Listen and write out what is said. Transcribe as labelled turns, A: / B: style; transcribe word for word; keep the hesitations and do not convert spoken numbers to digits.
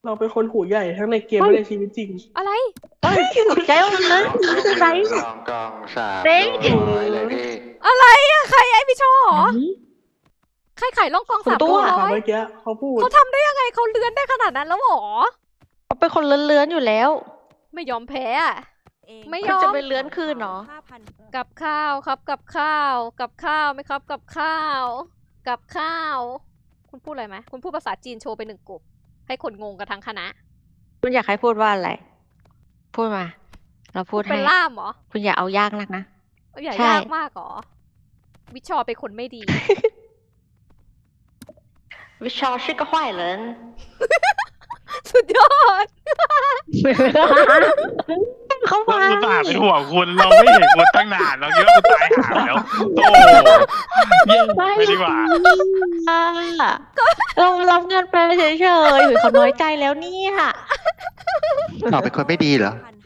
A: เราเป็นคนหูใหญ่ทั้งในเกมและในชีวิตจริง
B: อะไร
C: เฮ้ยตกใจหมดเลยคืออะไร
D: กองกองสาม
C: เด้ง
D: ร้อยเลยพี่
B: อะไรอะใครไอพี่โชว์เหรอใครขายล่องกอง
C: คุณ
B: สาม
C: ตัว
B: ตัว
A: ค่ะ
B: ร้อย
A: เมื่อกี้เขาพูด
B: เขาทำได้ยังไงเขาเลื้อนได้ขนาดนั้นแล้วเหรอ
C: เขาเป็นคนเลื้อนๆอยู่แล้ว
B: ไม่ยอมแพ้อะ ไม่ย
C: คุณ
B: อม
C: จะไปเลื้อนคืนเหรอ
B: กับข้าวครับกับข้าวกับข้าวไหมครับกับข้าว กับข้าว คุณพูดอะไรไหมคุณพูดภาษาจีนโชว์ไปหนึ่งกลุ่มให้คนงงกันทั้งคณะ
C: คุณอยากให้พูดว่าอะไร พูดมา เราพูด
B: เป็
C: ให้
B: นล่ามเหรอ
C: คุณอย่าเอายากนักนะ
B: อย่า
C: ใช่
B: ยากมากเหรอวิชอเป็นคนไม่ดี
C: วิชาชื่อก็坏人
B: สุดยอด
C: เขา
E: เรา
C: มา
E: อุตส่าห์เป็นห่วงคุณเราไม่เห็นคุณตั้งนานเราคิดว่าคุณตายหาแล้วโอ้ยิ่งไปดีกว่า
C: เรารับเงินไปเฉยๆหรือเขาน้อยใจแล้วเนี่ย
D: เราเป็นคนไม่ดีเหรอ